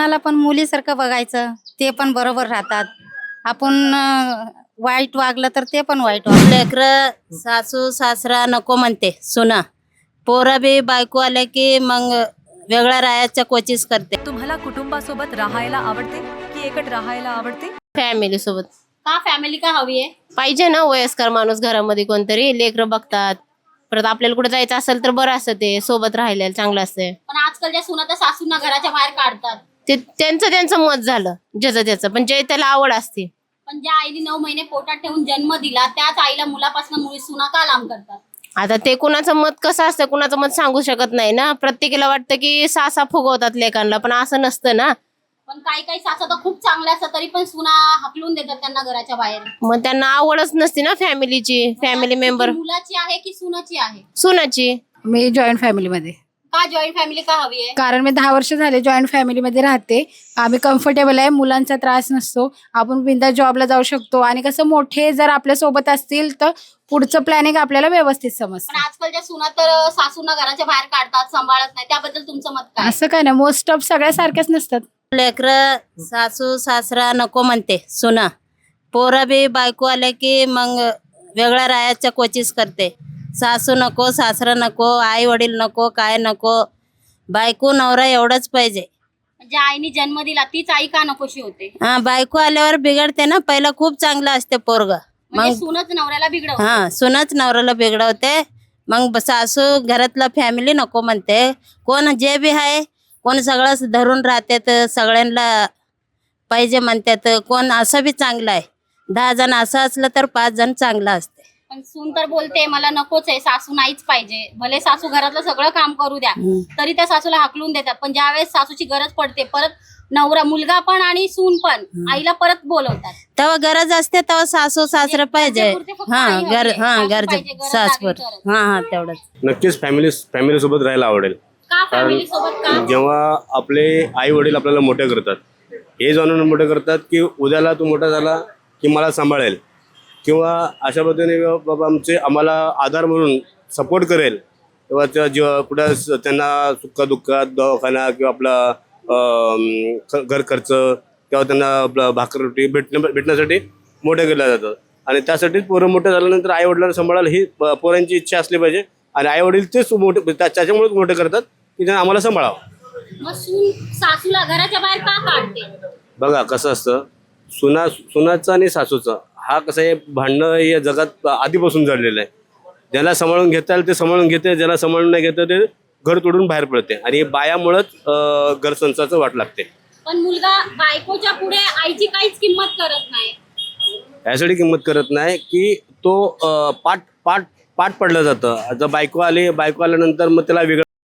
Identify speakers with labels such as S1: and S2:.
S1: सुनाला पण मुलीसारखं बघायचं, ते पण बरोबर राहतात. आपण वाईट वागलं तर ते पण वाईट वागलं.
S2: लेकरं सासू सासरा नको म्हणते सुना, पोरं बी बायको आल्या की मग वेगळ्या राहायच्या कोशिश करते.
S3: तुम्हाला कुटुंबासोबत राहायला आवडते की एकट राहायला आवडते?
S4: फॅमिली सोबत
S5: का फॅमिली का हवी आहे?
S4: पाहिजे ना, वयस्कर माणूस घरामध्ये कोणतरी, लेकरं बघतात. परत आपल्याला कुठे जायचं असेल तर बरं असतं, ते सोबत राहिलेलं चांगलं असते.
S5: पण आजकालच्या सुना तर सासूंना घराच्या बाहेर काढतात.
S4: ते त्यांचं मत झालं, ज्याचं त्याचं, पण जे त्याला आवड असते.
S5: पण ज्या आईने 9 महिने पोटात ठेवून जन्म दिला त्याच आईला मुलापासून मुली सुना का लांब करतात?
S4: आता ते कुणाचं मत कसं असतं, कुणाचं मत सांगू शकत नाही ना. प्रत्येकाला वाटतं की सासा फुगवतात लेकांना, पण असं नसतं ना.
S5: पण काही सासा तर खूप चांगल्या असतात तरी पण सुना हकलून देतात त्यांना घराच्या बाहेर.
S4: मग त्यांना आवडच नसते ना फॅमिलीची. फॅमिली मेंबर
S5: मुलाची आहे की सुनाची आहे?
S4: सुनाची.
S6: मी जॉईंट फॅमिलीमध्ये,
S5: का जॉईंट फॅमिली का हवी आहे?
S6: कारण मी 10 वर्ष झाले जॉईंट फॅमिलीमध्ये राहते. आम्ही कम्फर्टेबल आहे, मुलांचा त्रास नसतो, आपण बिंदास जॉबला जाऊ शकतो आणि कसं मोठे जर आपल्या सोबत असतील तर पुढचं प्लॅनिंग आपल्याला व्यवस्थित
S5: पण
S6: समजतं.
S5: आजकालच्या सुना तर सासूंना घराच्या बाहेर काढतात, सांभाळत नाही. त्याबद्दल तुमचं मत काय?
S6: असं काय नाही, मोस्ट ऑफ सगळ्या सारख्याच नसतात.
S2: लेकरं सासू सासरा नको म्हणते सुना, पोरं बी बायको आल्या की मग वेगळ्या राहायच्या कोशिश करते. सासू नको, सासरा नको, आई वडील नको, काय नको, बायको नवरा एवढंच पाहिजे.
S5: ज्या आईने जन्म दिला तीच आई का नकोशी होते?
S2: हा, बायको आल्यावर बिघडते ना. पहिला खूप चांगलं असते पोरग,
S5: म्हणजे
S2: मग
S5: सूनच नवऱ्याला बिघडवते.
S2: हा, सुनच नवऱ्याला बिघडवते. मग सासू घरातला फॅमिली नको म्हणते. कोण जे बी आहे, कोण सगळं धरून राहते तर सगळ्यांना पाहिजे म्हणतात. कोण असं बी चांगलं आहे. 10 जण असं असलं तर 5 जण चांगलं असते.
S5: पण सून तर बोलते मला नकोच आहे, सासू नाहीच पाहिजे. भले सासू घरातलं सगळं काम करू द्या तरी त्या सासूला हाकलून देतात. पण ज्यावेळेस सासूची गरज पडते परत नवरा, मुलगा पण आणि सून पण आईला परत बोलवतात.
S2: तेव्हा गरज असते तेव्हा सासू सासरं पाहिजे.
S5: गरजेपुरते फक्त
S2: हा,
S5: आई हवी आहे. सासू
S2: गरज
S5: पाहिजे, गरज
S2: सासवर.
S5: लागली तरच.
S2: हा तेवढंच.
S7: नक्कीच फॅमिली सोबत राहायला आवडेल.
S5: का फॅमिली सोबत का?
S7: जेव्हा आपले आई वडील आपल्याला मोठे करतात, हे जाणून मोठे करतात की उद्याला तू मोठा झाला की मला सांभाळेल, किंवा अशा पद्धतीने बाबा आम्हाला आधार म्हणून सपोर्ट करेल, तेव्हा त्या जेव्हा कुठं त्यांना सुखदुःखात दवाखाना किंवा आपला घर खर्च किंवा त्यांना आपला भाकर रोटी भेटण्यासाठी मोठे केलं जातं. आणि त्यासाठीच पोरं मोठं झाल्यानंतर आई वडिलांना सांभाळायला ही पोरांची इच्छा असली पाहिजे. आणि आई वडील तेच मोठे त्याच्यामुळेच मोठे करतात की त्यांना आम्हाला सांभाळावं.
S5: मग सून सासूला घराच्या बाहेर का काढते?
S7: बघा कसं असतं, सुनाचं आणि सासूचं हा कसं आहे, भांडणं या जगात आधीपासून झालेलं आहे. ज्याला सांभाळून घेता येईल ते सांभाळून घेते, ज्याला सांभाळून नाही घेतं ते घर तोडून बाहेर पडते. आणि बायामुळंच घर संसाराचं वाट लागते.
S5: पण मुलगा बायकोच्या पुढे आईची काहीच किंमत करत नाही.
S7: यासाठी किंमत करत नाही की तो पाठ पडलं जातं. जर बायको आल्यानंतर मग त्याला वेगळं